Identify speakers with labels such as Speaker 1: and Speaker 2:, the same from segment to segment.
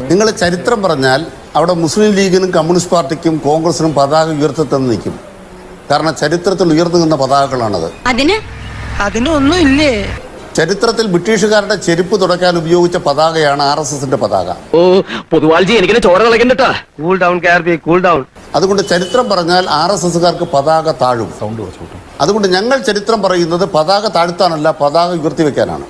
Speaker 1: നിങ്ങൾ ചരിത്രം പറഞ്ഞാൽ അവിടെ മുസ്ലിം ലീഗിനും കമ്മ്യൂണിസ്റ്റ് പാർട്ടിക്കും കോൺഗ്രസിനും പതാക ഉയർത്തിത്തന്നെ നിൽക്കും. കാരണം ചരിത്രത്തിൽ ഉയർന്നു നിന്ന പതാകകളാണത്.
Speaker 2: അതിനൊന്നുമില്ലേ?
Speaker 1: ചരിത്രത്തിൽ ബ്രിട്ടീഷുകാരുടെ ചെരുപ്പ് തുടയ്ക്കാൻ ഉപയോഗിച്ച പതാകയാണ് RSSന്റെ പതാക. അതുകൊണ്ട് ചരിത്രം പറഞ്ഞാൽ RSSകാർക്ക് പതാക താഴും. അതുകൊണ്ട് ഞങ്ങൾ ചരിത്രം പറയുന്നത് പതാക താഴ്ത്താനല്ല, പതാക ഉയർത്തി വെക്കാനാണ്.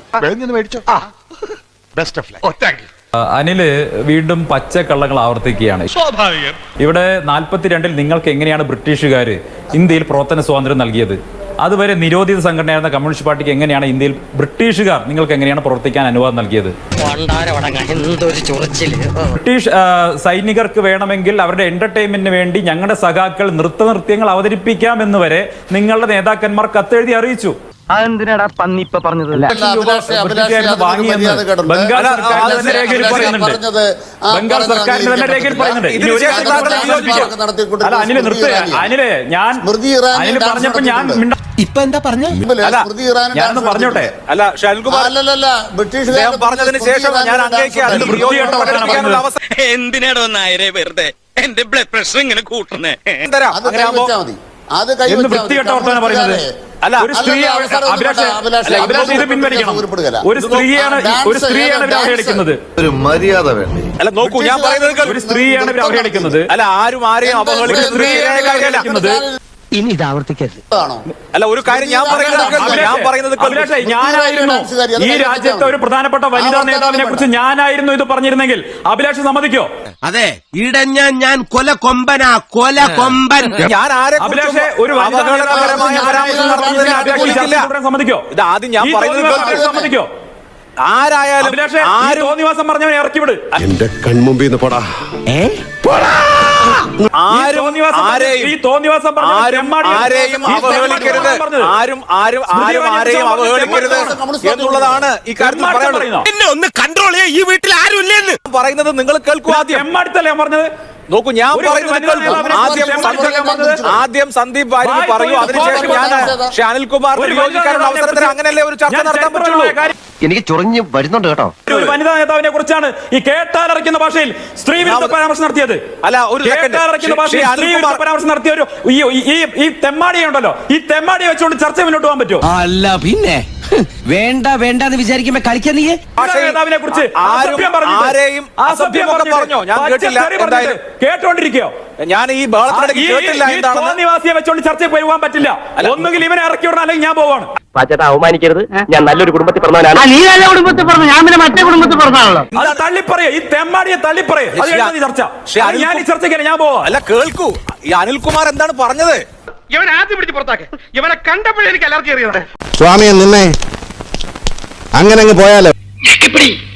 Speaker 3: അനില് വീണ്ടും പച്ചക്കള്ളങ്ങൾ ആവർത്തിക്കുകയാണ്. ഇവിടെ 42-ൽ നിങ്ങൾക്ക് എങ്ങനെയാണ് ബ്രിട്ടീഷുകാർ ഇന്ത്യയിൽ പ്രവർത്തന സ്വാതന്ത്ര്യം നൽകിയത്? അതുവരെ നിരോധിത സംഘടനയായിരുന്ന കമ്മ്യൂണിസ്റ്റ് പാർട്ടിക്ക് എങ്ങനെയാണ് ഇന്ത്യയിൽ ബ്രിട്ടീഷുകാർ നിങ്ങൾക്ക് എങ്ങനെയാണ് പ്രവർത്തിക്കാൻ അനുവാദം നൽകിയത്? ബ്രിട്ടീഷ് സൈനികർക്ക് വേണമെങ്കിൽ അവരുടെ എന്റർടൈൻമെന്റിന് വേണ്ടി ഞങ്ങളുടെ സഖാക്കൾ നൃത്യങ്ങൾ അവതരിപ്പിക്കാമെന്ന് വരെ നിങ്ങളുടെ നേതാക്കന്മാർ കത്തെഴുതി അറിയിച്ചു.
Speaker 2: അതെന്തിനാടാ പന്നി ഇപ്പൊ പറഞ്ഞത്?
Speaker 3: ബംഗാൾ സർക്കാരിന്റെ രേഖയിൽ പറയുന്നുണ്ട്. ബംഗാൾ സർക്കാരിന്റെ തന്നെ രേഖയിൽ പറയുന്നുണ്ട്. അല്ല അനില് അനില് ഞാൻ അനില് പറഞ്ഞപ്പോ ഞാൻ
Speaker 2: ഇപ്പൊ എന്താ പറഞ്ഞ
Speaker 3: ഞാനൊന്ന് പറഞ്ഞോട്ടെ.
Speaker 4: അല്ല ഷാൽകുമാർ പറഞ്ഞതിന് ശേഷം ഞാൻ
Speaker 5: എന്തിനാടോ നായരെ വെറുതെ എന്റെ ബ്ലഡ് പ്രഷർ ഇങ്ങനെ കൂട്ടുന്നേ?
Speaker 3: വൃത്തികെട്ട വർത്തമാനം പറയുന്നത്. ഒരു സ്ത്രീയാണ് ഒരു സ്ത്രീയാണ് അവഹേളിക്കുന്നത്.
Speaker 4: ഒരു മര്യാദ വേണ്ടി. അല്ല നോക്കൂ, ഞാൻ പറയുന്നത്
Speaker 3: ഒരു സ്ത്രീയാണ് അവഹേളിക്കുന്നത്.
Speaker 4: അല്ല ആരും ആരെയും അവഹേളിക്കുന്നത്.
Speaker 2: ഇനി ഇത് ആവർത്തിക്കരുത്.
Speaker 4: അല്ല ഒരു കാര്യം ഞാൻ പറയുന്നത്
Speaker 3: ഞാനായിരുന്നു ഈ രാജ്യത്തെ ഒരു പ്രധാനപ്പെട്ട വനിതാ നേതാവിനെ കുറിച്ച് ഞാനായിരുന്നു ഇത് പറഞ്ഞിരുന്നെങ്കിൽ അഭിലാഷ് സമ്മതിക്കോ?
Speaker 5: അതെ, ഇടഞ്ഞ ഞാൻ കൊല കൊമ്പനാ, കൊല കൊമ്പൻ.
Speaker 4: ഞാൻ ആരെ
Speaker 3: അഭിലാഷ് ഒരു സമ്മതിക്കോ?
Speaker 4: ഇത് ആദ്യം ഞാൻ പറയുന്നത്
Speaker 3: സമ്മതിക്കോ?
Speaker 4: ആരായാലും
Speaker 3: തോന്നിവാസം പറഞ്ഞവനെ ഇറക്കിവിട്.
Speaker 6: എന്റെ കൺമുമ്പിൽ നിന്ന് പോടാ.
Speaker 4: ആരെയും അവഹേളിക്കരുത്, ആരെയും അവഹേളിക്കരുത് എന്നുള്ളതാണ് ഈ കാര്യത്തിൽ പറയുന്നത്.
Speaker 5: എന്നെ ഒന്ന് കൺട്രോൾ ചെയ്യാൻ ഈ വീട്ടിൽ ആരും ഇല്ലെന്ന്
Speaker 4: പറയുന്നത് നിങ്ങൾ കേൾക്കൂ.
Speaker 3: എമ്മടുത്തല്ലേ പറഞ്ഞത്?
Speaker 4: നോക്കൂ, ഞാൻ ആദ്യം സന്ദീപ് വാര്യർ പറയൂ, അതിനുശേഷം ഞാൻ അനിൽകുമാറിന്റെ വിയോജിക്കാനുള്ള അവസരത്തിൽ അങ്ങനെയല്ലേ ഒരു ചർച്ച നടത്താൻ പറ്റുള്ളൂ.
Speaker 2: എനിക്ക് ചൊറിഞ്ഞ് വരുന്നുണ്ട് കേട്ടോ.
Speaker 3: ഒരു വനിതാ നേതാവിനെ കുറിച്ചാണ് ഈ കേട്ടാലറിക്കുന്ന ഭാഷയിൽ സ്ത്രീ വിരുദ്ധ പരാമർശം നടത്തിയത്.
Speaker 4: അല്ല ഒരു
Speaker 3: കേട്ടാലറിക്കുന്ന ഭാഷയിൽ സ്ത്രീ വിരുദ്ധ പരാമർശം നടത്തിയ ഒരു ഈ തെമ്മാടിയെ ഉണ്ടല്ലോ, ഈ തെമ്മാടിയെ വെച്ചുകൊണ്ട് ചർച്ച മുന്നോട്ട് പോകാൻ പറ്റുമോ?
Speaker 2: അല്ല പിന്നെ വേണ്ട വേണ്ടെന്ന് വിചാരിക്കുമ്പോ കളിക്കാൻ നീ
Speaker 3: നേതാവിനെ കുറിച്ച് കേട്ടോണ്ടിരിക്കയോ?
Speaker 4: ഞാൻ ഈ
Speaker 3: നിവാസിയെ വെച്ചോണ്ട് ചർച്ചയിൽ പോകാൻ പറ്റില്ല. ഒന്നുകിൽ ഇവനെ ഇറക്കി വിടണം, അല്ലെങ്കിൽ ഞാൻ പോവാണ്.
Speaker 2: പാച്ചേട്ടാ അവമാനിക്കരുത്, ഞാൻ നല്ലൊരു കുടുംബത്തിൽ പറഞ്ഞവനാണ്. നീ നല്ല കുടുംബത്തിൽ പറഞ്ഞു, ഞാൻ പിന്നെ മറ്റേ കുടുംബത്തിൽ പറഞ്ഞാണല്ലോ.
Speaker 3: അത് തള്ളിപ്പറയോ, ഈ തെമ്മാടിയെ തള്ളിപ്പറയോ? ചർച്ച ഞാൻ ഈ ചർച്ചയ്ക്ക് ഞാൻ പോവാ.
Speaker 4: അല്ല കേൾക്കൂ, ഈ അനിൽകുമാർ എന്താണ് പറഞ്ഞത്?
Speaker 5: ഇവൻ ആദ്യം പിടിച്ച് പുറത്താക്കെ. ഇവനെ കണ്ടപ്പോഴേ എനിക്ക് അലർജി അറിയുന്നത്.
Speaker 6: സ്വാമിയെ നിന്നെ അങ്ങനെ അങ്ങ് പോയാലോ.